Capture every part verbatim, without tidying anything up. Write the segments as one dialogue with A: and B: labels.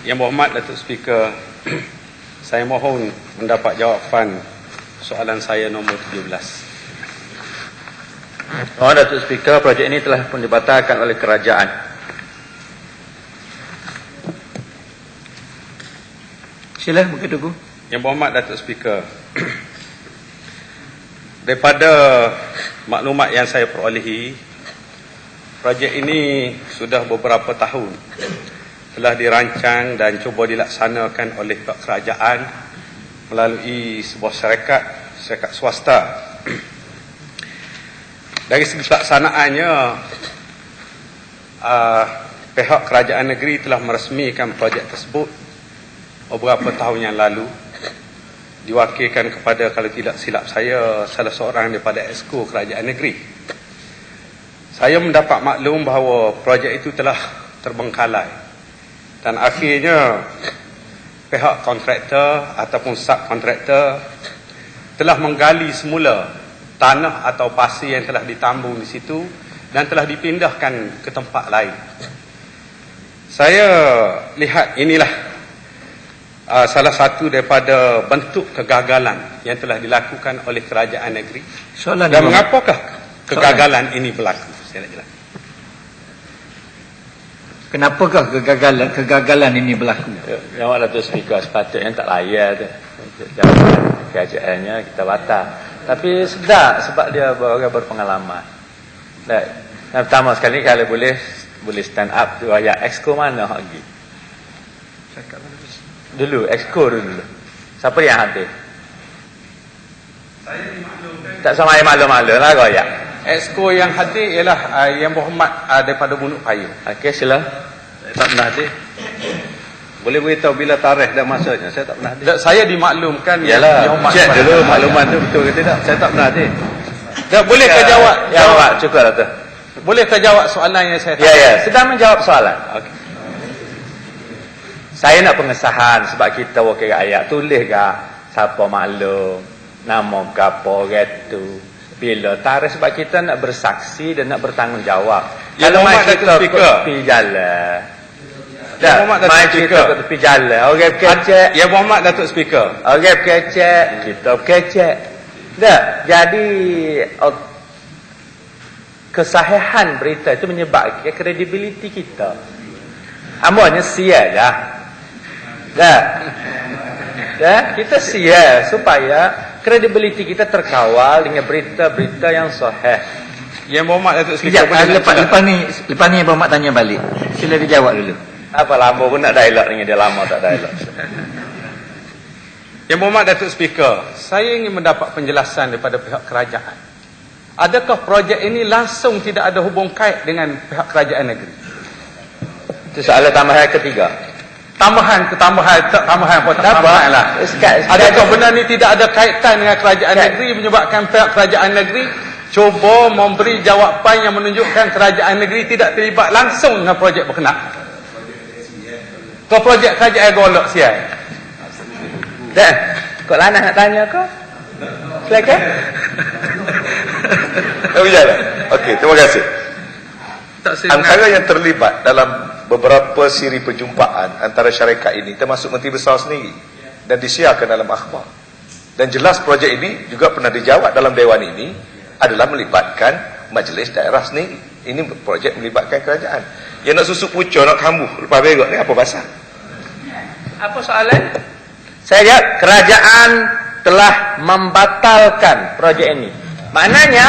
A: Yang Berhormat Datuk Speaker, saya mohon mendapat jawapan soalan saya nombor tujuh belas.
B: Oh, Datuk Speaker, projek ini telah pun dibatalkan oleh kerajaan. Sila, Bukit Tugu.
A: Yang Berhormat Datuk Speaker, daripada maklumat yang saya perolehi, projek ini sudah beberapa tahun telah dirancang dan cuba dilaksanakan oleh pihak kerajaan melalui sebuah syarikat, syarikat swasta. Dari segi pelaksanaannya, uh, pihak kerajaan negeri telah meresmikan projek tersebut beberapa tahun yang lalu, diwakilkan kepada, kalau tidak silap saya, salah seorang daripada Exco kerajaan negeri. Saya mendapat maklum bahawa projek itu telah terbengkalai dan akhirnya pihak kontraktor ataupun subkontraktor telah menggali semula tanah atau pasir yang telah ditambung di situ dan telah dipindahkan ke tempat lain. Saya lihat inilah uh, salah satu daripada bentuk kegagalan yang telah dilakukan oleh kerajaan negeri. Soalan dan mengapakah kegagalan Soalan. ini berlaku? Saya nak jelaskan.
B: Kenapakah kegagalan kegagalan ini berlaku? Yang Datuk Speaker, sepatutnya tak layak tu. Jawapan kerajaannya kita batal. Tapi sedap sebab dia orang berpengalaman. Dan yang pertama sekali, kalau boleh boleh stand up tu ayat Exco mana lagi? Dulu Exco dulu. Siapa yang hadir?
A: Saya dimaklumkan.
B: Tak sama yang maklum-maklum lah kau ya.
A: Exco yang hadir ialah uh, Yang Berhormat uh, daripada Bunuk Payung.
B: Okey, sila. Saya tak pernah hadir. Boleh beritahu bila tarikh dan masanya? Saya tak pernah hadir.
A: Tak, saya dimaklumkan.
B: Yalah, cek dulu makluman tu betul ke tidak. Saya tak pernah hadir.
A: Tak, bolehkah ya, jawab?
B: Ya, jawab. Cukup lah tu.
A: Bolehkah jawab soalan yang saya tanya?
B: Ya, ya. Sedang menjawab soalan.
A: Okay.
B: Saya nak pengesahan sebab kita wakil rakyat. Tulis ke siapa maklum, nama kapo gitu. Bila tarikh, sebab kita nak bersaksi dan nak bertanggungjawab.
A: Ya,
B: kalau mai kita
A: ke
B: tepi jalan. Dah, mai kita ke tepi jalan. Orang kecek.
A: Ya, Muhammad Datuk Speaker.
B: Orang kecek, kita kecek. Dah, jadi oh, kesahihan berita itu menyebabkan kredibiliti kita. Amanya sia dah. Dah. Dah, kita sia supaya kredibiliti kita terkawal dengan berita-berita yang sahih.
A: Yang Muhammad Datuk Speaker,
B: ya, lepas, lepas ni lepas ni Muhammad tanya balik. Sila dijawab dulu. Apa lama pun nak dialog dengan dia, lama tak dialog.
A: Yang Muhammad Datuk Speaker, saya ingin mendapat penjelasan daripada pihak kerajaan. Adakah projek ini langsung tidak ada hubung kait dengan pihak kerajaan negeri?
B: Itu soalan tambahan ketiga.
A: Tambahan ke tambahan, tak tambahan pun tak tambahan lah. Adakah benar ni tidak ada kaitan dengan kerajaan negeri menyebabkan pihak kerajaan negeri cuba memberi jawapan yang menunjukkan kerajaan negeri tidak terlibat langsung dengan projek berkenaan? Kau projek kerajaan golok siai.
B: Dah, kau lanah nak tanya kau? Silakan.
C: Oh iyalah. Okey, terima kasih. Antara yang terlibat dalam beberapa siri perjumpaan antara syarikat ini termasuk Menteri Besar sendiri dan disiarkan dalam akhbar. Dan jelas projek ini juga pernah dijawab dalam Dewan ini adalah melibatkan majlis daerah sendiri. Ini projek melibatkan kerajaan. Yang nak susuk pucuk, nak kambuh lepas berok ni apa pasal?
B: Apa soalan? Saya jawab, kerajaan telah membatalkan projek ini. Maknanya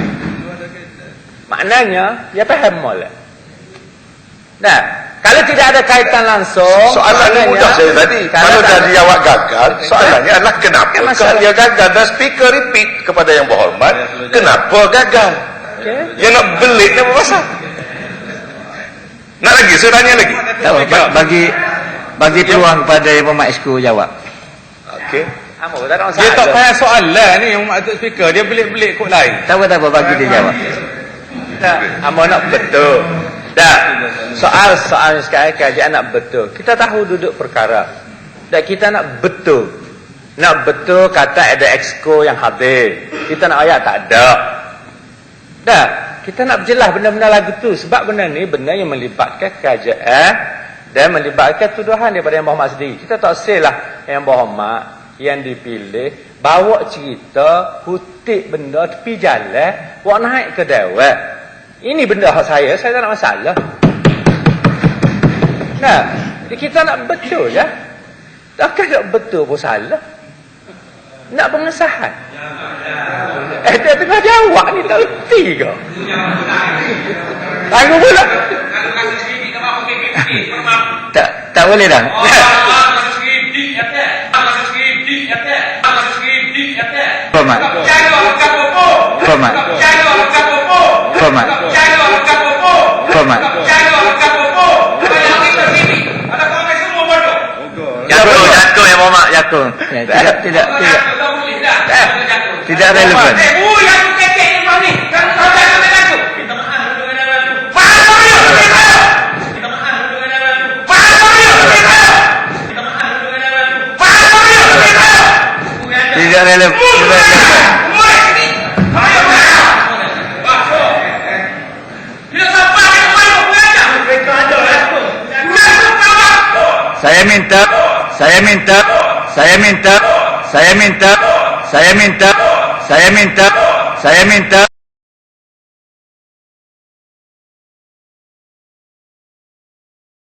B: maknanya dia faham molek. Nah, kalau tidak ada kaitan langsung,
C: soalannya mudah saya tadi. Kalau dah dijawab gagal, soalannya adalah kenapa ya, dia gagal. Dan speaker repeat kepada Yang Berhormat, kenapa gagal? Okay. Dia nak belik ni apa pasal? Nak lagi? Saya tanya lagi.
B: Tak, bagi bagi peluang kepada Yang Berhormat Exco jawab.
C: Okey.
A: Dia tak payah soalan ni Yang Berhormat Speaker, dia belik-belik kot lain.
B: Tak apa, tak apa, bagi dia jawab. Tak, hamba nak betul. Dah, soal-soal sekarang kerajaan nak betul. Kita tahu duduk perkara. Dan kita nak betul. Nak betul kata ada Exco yang hadir. Kita nak ayat tak ada. Dah, kita nak jelas benda-benda lagu tu. Sebab benda ni benda yang melibatkan kerajaan dan melibatkan tuduhan daripada Yang Berhormat sendiri. Kita tak selah Yang Berhormat yang dipilih bawa cerita kutip benda tepi jalan buat naik ke dewan. Ini benda hak saya, saya tak nak masalah. Nah, kita nak betul ya. Takkan nak betul pun salah. Nak pengesahan. Eh, dia tengah jawab ni tak erti ke? Tangguh pula. Tak, tak boleh dah. Format. Format. Format. Format. Jatuh, jatuh Yang Berhormat, jatuh. Tidak, tidak, tidak. Tidak relevan. Tidak relevan. Saya minta, saya minta, saya minta, saya minta, saya minta, saya minta, saya minta.